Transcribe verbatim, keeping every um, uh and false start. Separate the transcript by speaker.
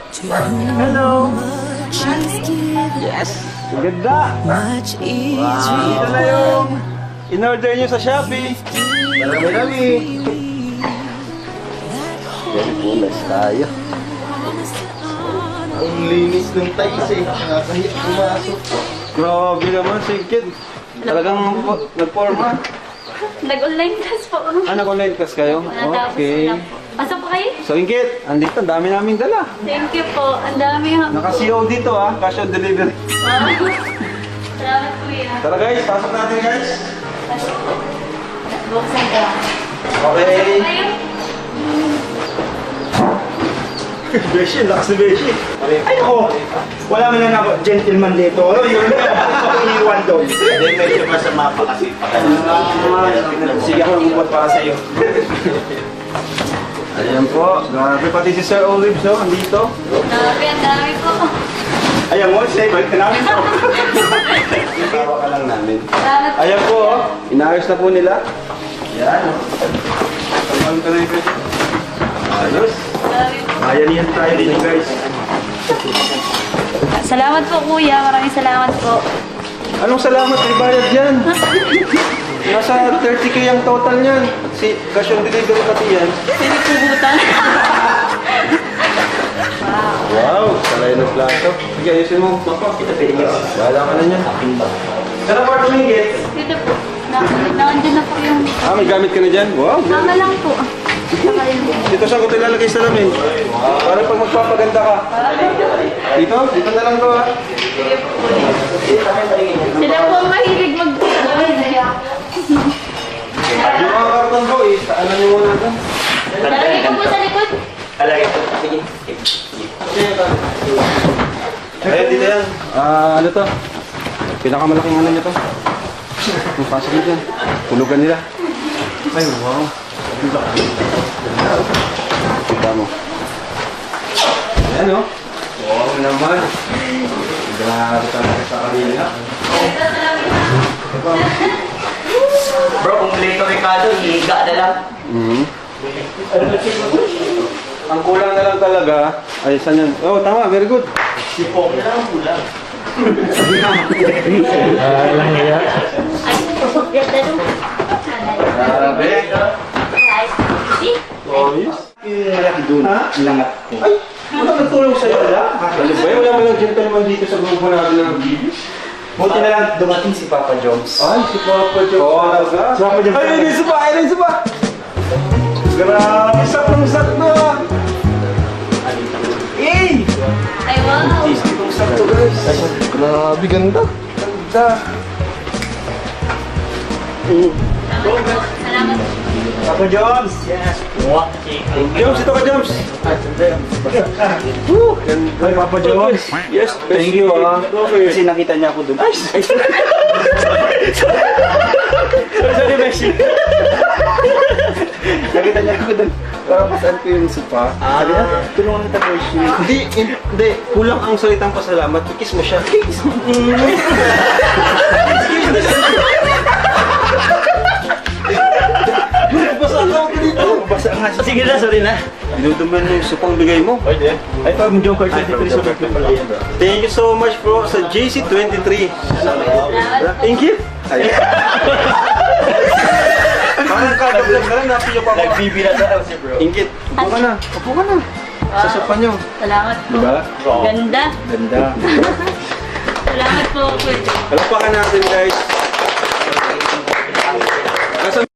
Speaker 1: Hello! Yes! Ang ganda! Wow! Ito na yung in-order nyo sa Shopee. Marami-rami! Very pulas tayo.
Speaker 2: Ang linis ng tais eh. Nakakahit pumasok.
Speaker 1: Grabe naman, Sigkid. Talagang nag-forma.
Speaker 3: Nag-online class po.
Speaker 1: Ah, nag-online class kayo? Okay.
Speaker 3: Pasok po kayo?
Speaker 1: So, Ingkit, andito, ang dami naming dala.
Speaker 3: Thank you po. Ang dami ha.
Speaker 1: Naka-C O dito ah, cash on delivery.
Speaker 3: Wow. Salamat kuya.
Speaker 1: Tara guys, pasok natin guys.
Speaker 3: Buksan ko.
Speaker 1: Okay.
Speaker 3: Kayo?
Speaker 2: Beshi, lakas na Beshi. Ay ako, wala man lang ako gentleman dito. Ano yun? Ako iniwan doon.
Speaker 4: Hindi, medyo masama pa kasi.
Speaker 2: Sige ako magbubuhat para sa'yo.
Speaker 1: Ayan po, grabe pati si Sir Olive, so, andito.
Speaker 3: Grabe, ang dami po.
Speaker 2: Ayan mo, say, balik ka namin to.
Speaker 1: Tawa ka lang namin.
Speaker 3: Salamat po.
Speaker 1: Ayan po, oh, inaayos na po nila. Ayan, oh. Pagpagod ka na yung pwede. Ayos.
Speaker 3: Grabe po.
Speaker 1: Ayan yan tayo din guys.
Speaker 3: Salamat po kuya. Maraming salamat po.
Speaker 1: Anong salamat, may bayad yan. Nasa thirty K ang total niyan. Si cash on delivery pati yan.
Speaker 3: Pinagpubutan.
Speaker 1: Wow, salay ng plato. Sige, ayusin mo. Wala ka na niyan. Saan ang part umingit?
Speaker 3: Dito po. Na- Nakandyan na po yung...
Speaker 1: Ah, may gamit ka na dyan? Wow.
Speaker 3: Mama lang po. Saka yun.
Speaker 1: Dito saan ko tilalagay sa lamin? Para pag magpapaganda ka. Dito? Dito na lang to ha.
Speaker 3: Sila po ang mahilig mag...
Speaker 1: Yung mga karton ko eh, ano nyo muna ito?
Speaker 3: Talagay ko po sa likod.
Speaker 4: Alagay po. Sige.
Speaker 1: Ayun, dito yan. Ah, ano to? Pinakamalaking ano nyo to? Yung pasok nyo dyan. Tulugan nila. Ay, wow. Kita mo. Ayan o. Wow naman. Grabe talaga sa kanila.
Speaker 4: Bro, kung late Ricardo, higa na lang.
Speaker 1: Mhm. Ang kulang na lang talaga, ay saan yan? Oh, tama, very good.
Speaker 4: Sipong na lang ang kulang.
Speaker 2: Ah, lang niya.
Speaker 3: Ay, ganda nung...
Speaker 1: Grabe. Ayos.
Speaker 2: Kaya doon, langat ko.
Speaker 1: Ay, wala nagtulong sa'yo wala? Ano ba yun? Wala mo lang gentleman dito sa grupo namin ng bibis?
Speaker 2: Buti na lang dumating si Papa Jones.
Speaker 1: Ay, si Papa Joe. Oo, talaga.
Speaker 2: Si Papa Jones.
Speaker 1: Ay, ay, isa pa, ay, isa pa. Grabe, saktong-sakto ah.
Speaker 2: Eh!
Speaker 3: Ay, wow.
Speaker 1: Saktong-sakto guys.
Speaker 2: Grabe, ganda.
Speaker 1: Ganda.
Speaker 3: Salamat.
Speaker 2: Papa Jones!
Speaker 4: Yes. Muwak.
Speaker 1: Jones, ito ka Jones. Woo!
Speaker 2: Ay, Papa Jones!
Speaker 1: Yes,
Speaker 2: Thank you ah. Kasi nakita niya ako doon. Ay! Sorry, Beshi. Nakita niya ako doon. Para pasan ko yung supa. Sabi niya, tulungan kita, Beshi.
Speaker 1: Hindi, hindi. Kulang ang salitang pasalamat. Ikis mo siya. Kiss mo. Basa ako dito.
Speaker 2: Basa nga siya.
Speaker 4: Sige na, sorry na.
Speaker 1: Dinuduman mo yung supang bigay mo.
Speaker 4: Pwede.
Speaker 2: Ay, Papa Joker twenty-three sulit ko pala yan.
Speaker 1: Thank you so much bro sa J C twenty-three. Thank you. Parang kagablag na lang, napiyo pa ako.
Speaker 4: Nagbibila sa si bro.
Speaker 1: Ingkit, upo ka na. Upo ka na. Sa sopa nyo.
Speaker 3: Salamat po.
Speaker 1: Diba?
Speaker 3: Ganda.
Speaker 2: Ganda.
Speaker 3: Salamat po, kuya.
Speaker 1: Palapakan natin guys.